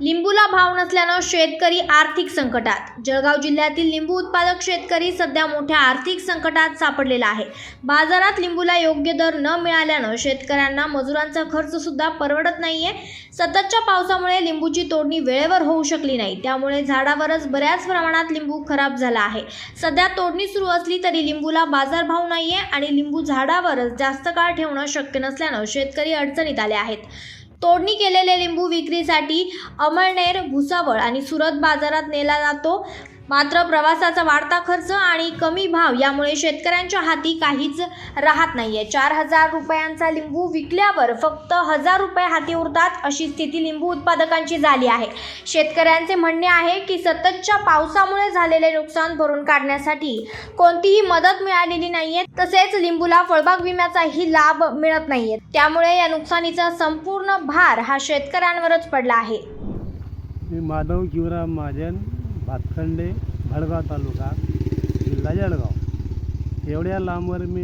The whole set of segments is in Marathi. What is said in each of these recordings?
लिंबूला भाव नसल्यानं शेतकरी आर्थिक संकटात। जळगाव जिल्ह्यातील लिंबू उत्पादक शेतकरी सध्या मोठ्या आर्थिक संकटात सापडलेला आहे। बाजारात लिंबूला योग्य दर न मिळाल्यानं शेतकऱ्यांना मजुरांचा खर्च सुद्धा परवडत नाहीये। सततच्या पावसामुळे लिंबूची तोडणी वेळेवर होऊ शकली नाही, त्यामुळे झाडावरच बऱ्याच प्रमाणात लिंबू खराब झाला आहे। सध्या तोडणी सुरू असली तरी लिंबूला बाजारभाव नाहीये आणि लिंबू झाडावरच जास्त काळ ठेवणं शक्य नसल्यानं शेतकरी अडचणीत आले आहेत। तोडणी केलेले लिंबू विक्रीसाठी अमळनेर, भुसावळ आणि सुरत बाजारात नेला जातो। मात्र प्रवासाचा वाढता खर्च आणि कमी भाव यामुळे शेतकऱ्यांच्या हाती काहीच राहत नाहीये। 4000 रुपयांचा लिंबू विकल्यावर फक्त 1000 रुपये हाती उरतात, अशी स्थिती लिंबू उत्पादकांची झाली आहे। शेतकऱ्यांचे म्हणणे आहे की सततच्या पावसामुळे झालेले नुकसान भरून काढण्यासाठी कोणतीही मदत मिळालेली नाहीये, तसेच लिंबूला फळबाग विम्याचाही लाभ मिळत नाहीये। त्यामुळे या नुकसानीचा संपूर्ण भार हा शेतकऱ्यांवरच पडला आहे। मी माधव शिवराम महाजन, भातखंडे, भडगाव तालुका, जिल्हा जळगाव। एवढ्या लांबवर मी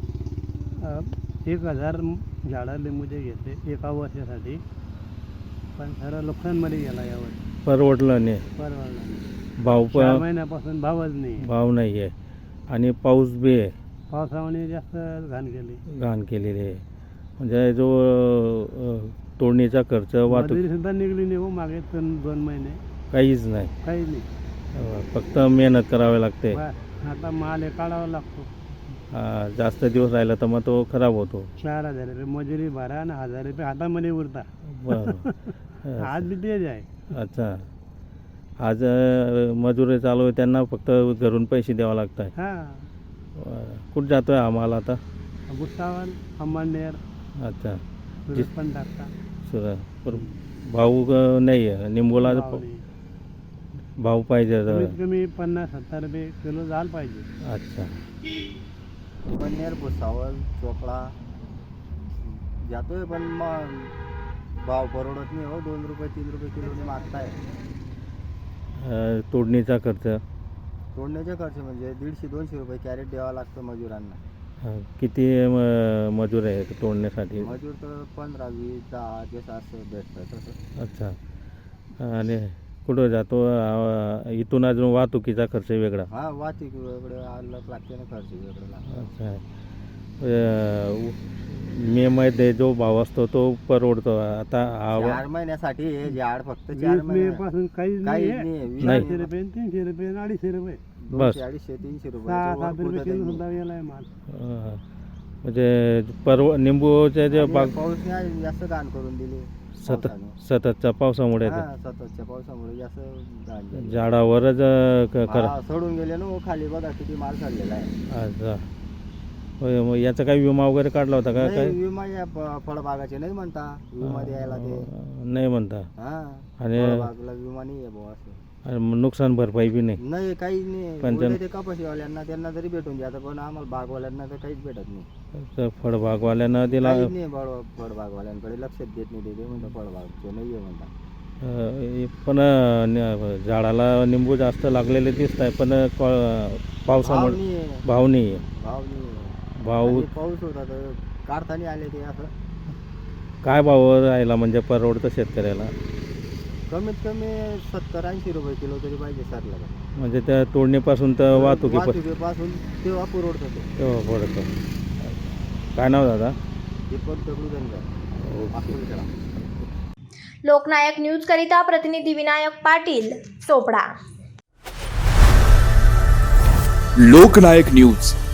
1000 झाडं लिंबूचे घेतले एका वर्षासाठी, पण खरं नुकसानमध्ये गेला यावर। परवडलं नाही, भाव 4 महिन्यापासून भावच नाही, भाव नाही आहे आणि पाऊस बी आहे, पावसामुळे जास्त घाण केलेली आहे। म्हणजे जो तोडणीचा खर्च, वाहतूक सुद्धा निघली नाही हो मागे 2 महिने, काहीच नाही, फक्त मेहनत करावी लागते। आता माल काढावा लागतो, जास्त दिवस राहिला तर मग तो खराब होतो। 4000 रुपये मजुरी भरा आणि 1000 रुपये हातामध्ये उरता। आज बी तेच आहे। अच्छा, आज मजुरी चालू आहे, त्यांना फक्त घरून पैसे द्यावे लागतात। कुठं जातोय हा माल आता? भुसावळ, अमळनेर, अच्छा, पण टाकता पर भाव नाही आहे लिंबूला, भाव पाहिजे, कमी 50-70 रुपये किलो झालं पाहिजे। अच्छा, अमळनेर, भुसावळ, चोपडा जातोय, पण मग भाव परवडत नाही हो। 2 रुपये 3 रुपये किलोने मागताय। तोडणीचा खर्च, तोडण्याचा खर्च म्हणजे 150-200 रुपये कॅरेट द्यावा लागतं मजुरांना। किती मजूर आहे तोडण्यासाठी? मजूर तर 15, 20, 10 जसं असं भेटतं तसं। अच्छा, आणि कुठं जातो? इथून अजून वाहतुकीचा खर्च वेगळा? वाहतूक वेगळं अलग लागते ना, खर्च वेगळं लागतो। अच्छा, मे मध्ये जो भाव असतो तो परवडतो। आता 4 महिन्यासाठी हे झाड फक्त 4 महिन्यापासून काहीच नाही, नाही. 200 रुपये, 300 रुपये, 250 रुपये, बस 250-300 6-7 रुपये किलो रुपये सुद्धा गेलाय माल। म्हणजे निंबूच्या जे पाऊस नाही जास्त घाण करून दिली सततच्या पावसामुळे, सततच्या पावसामुळे जास्त घाण झाली। झाडावरच सोडून गेले ना खाली, बघा किती माल चाललेला आहे। अच्छा, मग याचा काही विमा वगैरे काढला होता का? काय विमा या फळबागाचे नाही म्हणता, विमा द्यायला ते नाही म्हणता, आणि फळबागला विमा नाही आहे भाऊ असं। नुकसान भरपाई बी नाही, काही नाही। पण ते कपाशीवाल्यांना त्यांना जरी भेटून जातं, पण आम्हाला बागवाल्यांना तर काहीच भेटत नाही। फळबागवाल्यांना दिला नाही, फळबागवाल्यांकडे लक्षात देत नाही, ते म्हणतात फळबागचे नाही आहे म्हणतात। पण झाडाला निंबू जास्त लागलेले दिसत आहे, पण पावसामुळे भाव नाही आहे। भाव पाऊस होता तर काढताना आले ते असं। काय भाव राहिला म्हणजे परवडतं शेतकऱ्याला? कमीत कमी 70-80 रुपये किलो तरी पाहिजे सरला, म्हणजे त्या तोडणीपासून तर वाहतुकीपासून तेव्हा परवडतं, तेव्हा पडतं। काय नाव दादा? दीपक दगडूधनकर, लोकनायक न्यूज करिता प्रतिनिधी विनायक पाटील, चोपडा। लोकनायक न्यूज